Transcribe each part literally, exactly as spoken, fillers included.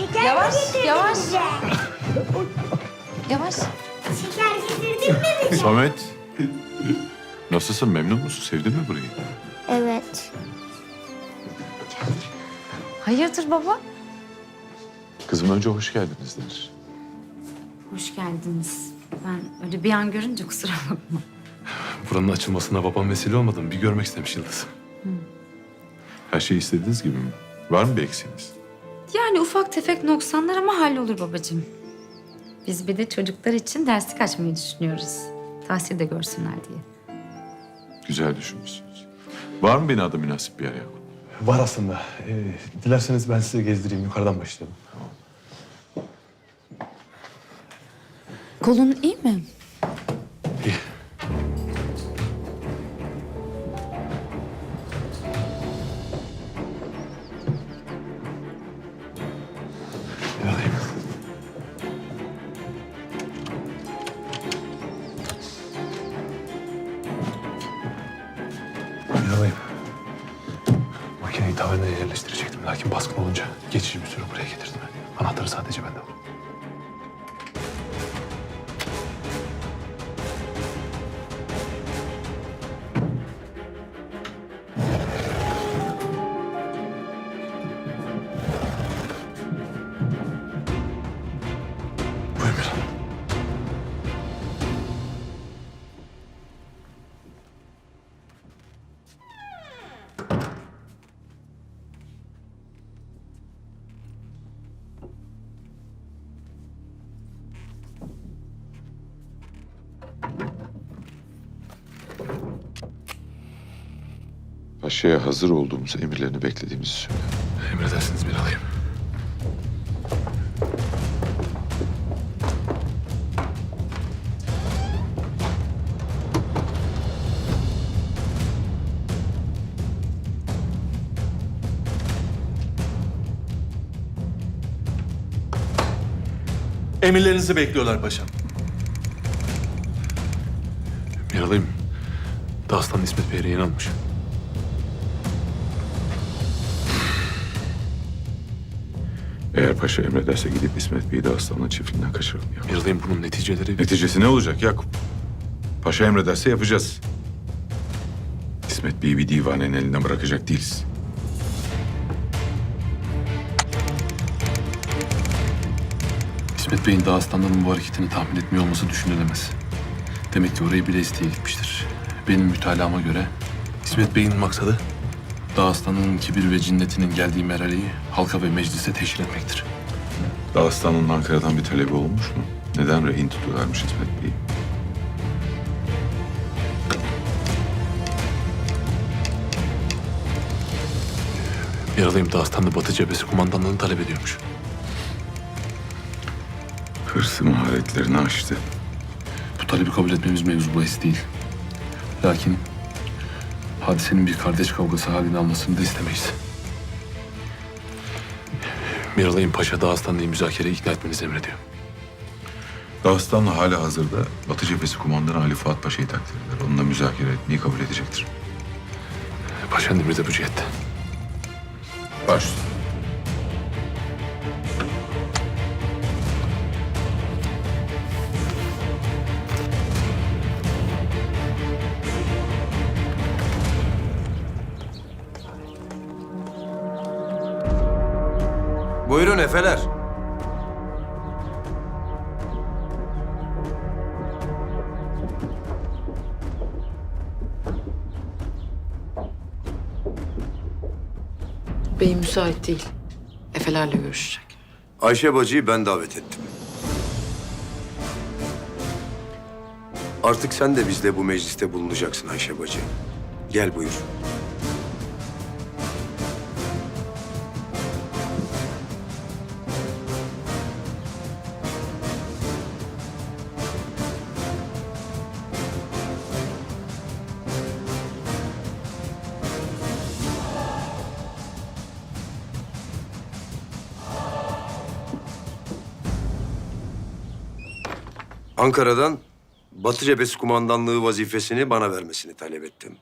Şeker Yavaş, mi getirdin yavaş. bize? Yavaş. Şeker getirdin mi bize? Samet, nasılsın? Memnun musun? Sevdin mi burayı? Evet. Hayırdır baba? Kızım önce hoş geldiniz denir. Hoş geldiniz. Ben öyle bir an görünce kusura bakma. Buranın açılmasına babam vesile olmadı mı? Bir görmek istemiş Yıldız. Her şey istediğiniz gibi mi? Var mı bir eksiğiniz? Yani ufak tefek noksanlar ama hallolur babacığım. Biz bir de çocuklar için derslik açmayı düşünüyoruz. Tahsil de görsünler diye. Güzel düşünmüşsünüz. Var mı binada münasip bir yer Yakup? Var aslında. Ee, dilerseniz ben size gezdireyim. Yukarıdan başlayalım. Kolun iyi mi? İyi. Bir alayım. Bir alayım. Makineyi tavernaya yerleştirecektim. Lakin baskın olunca geçici bir süre buraya getirdim. Anahtarı sadece bende var. Buyurun bir an. Paşa'ya hazır olduğumuz emirlerini beklediğimizi söyle. Emredersiniz bir alayım. Emirlerinizi bekliyorlar paşam. Bir alayım. Dağıstan İsmet Bey'e inanmış. Eğer paşa emrederse gidip İsmet Bey'i de aslanın çiftliğinden kaçıralım ya. Bir alayım bunun neticeleri... Neticesi ne olacak Yakup? Paşa emrederse yapacağız. İsmet Bey'i bir divanenin elinden bırakacak değiliz. İsmet Bey'in Dağıstan'dan bu hareketini tahmin etmiyor olması düşünülemez. Demek ki orayı bile isteye gitmiştir. Benim mütalama göre İsmet Bey'in maksadı Dağıstan'ın kibir ve cinnetinin geldiği merhaleyi halka ve meclise teşhir etmektir. Dağıstan'ın Ankara'dan bir talebi olmuş mu? Neden rehin tutuyorlarmış İsmet Bey'i? Bir alayım Dağıstan'da Batı cephesi kumandanlığını talep ediyormuş. Hırsı maharetlerini aştı. Bu talebi kabul etmemiz mevzu bahis değil. Lakin hadisenin bir kardeş kavgası halini almasını da istemeyiz. Miralay'ın Paşa Dağıstanlı'yı müzakereye ikna etmenizi emrediyor. Dağıstan'la hala hazırda Batı cephesi kumandanı Ali Fuat Paşa'yı takdir eder. Onunla müzakere etmeyi kabul edecektir. Paşa'nın emri de bu cihette. Baş. Buyurun efeler. Bey müsait değil. Efelerle görüşecek. Ayşe bacıyı ben davet ettim. Artık sen de bizle bu mecliste bulunacaksın Ayşe bacı. Gel buyur. Ankara'dan Batı Cephesi kumandanlığı vazifesini bana vermesini talep ettim.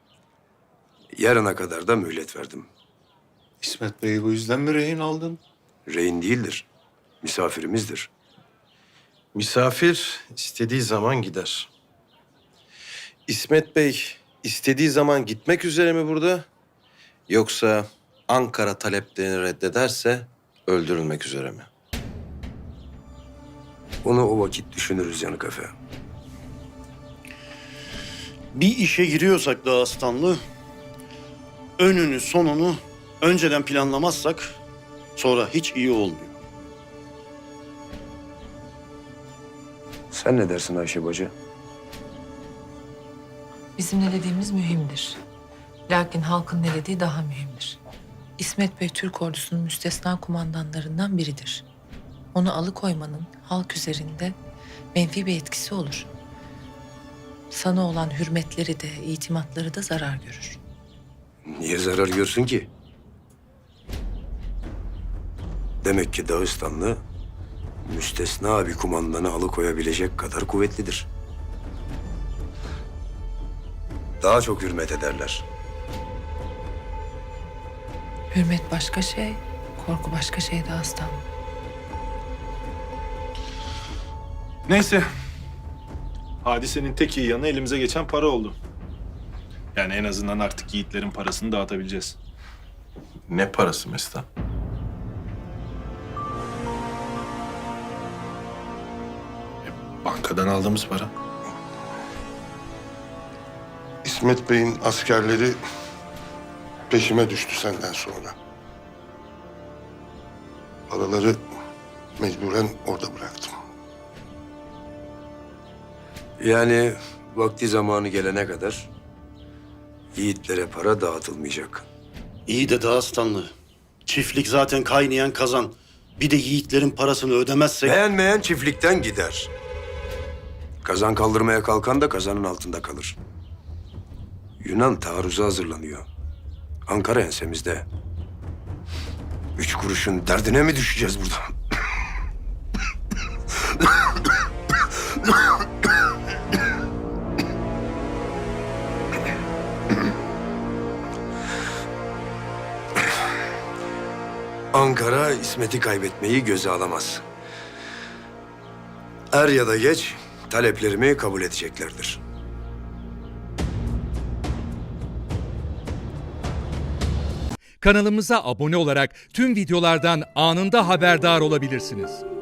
Yarına kadar da mühlet verdim. İsmet Bey'i bu yüzden mi rehin aldın? rehin değildir. Misafirimizdir. Misafir istediği zaman gider. İsmet Bey istediği zaman gitmek üzere mi burada? Yoksa Ankara taleplerini reddederse öldürülmek üzere mi? Onu o vakit düşünürüz Yanık Efe. Bir işe giriyorsak Dağıstanlı, önünü sonunu önceden planlamazsak sonra hiç iyi olmuyor. Sen ne dersin Ayşe bacı? Bizim ne dediğimiz mühimdir. Lakin halkın ne dediği daha mühimdir. İsmet Bey Türk ordusunun müstesna kumandanlarından biridir. Onu alıkoymanın halk üzerinde menfi bir etkisi olur. Sana olan hürmetleri de, itimatları da zarar görür. Niye zarar görsün ki? Demek ki Dağıstanlı müstesna bir kumandanı alıkoyabilecek kadar kuvvetlidir. Daha çok hürmet ederler. Hürmet başka şey, korku başka şey Dağıstan. Neyse. Hadisenin tek iyi yanı elimize geçen para oldu. Yani en azından artık yiğitlerin parasını dağıtabileceğiz. Ne parası Mesut? Bankadan aldığımız para. İsmet Bey'in askerleri peşime düştü senden sonra. Paraları mecburen orada bıraktım. Yani vakti zamanı gelene kadar yiğitlere para dağıtılmayacak. İyi de Dağıstanlı, çiftlik zaten kaynayan kazan. Bir de yiğitlerin parasını ödemezsek... Beğenmeyen çiftlikten gider. Kazan kaldırmaya kalkan da kazanın altında kalır. Yunan taarruza hazırlanıyor. Ankara ensemizde. Üç kuruşun derdine mi düşeceğiz burada? Ankara İsmet'i kaybetmeyi göze alamaz. Er ya da geç taleplerimi kabul edeceklerdir. Kanalımıza abone olarak tüm videolardan anında haberdar olabilirsiniz.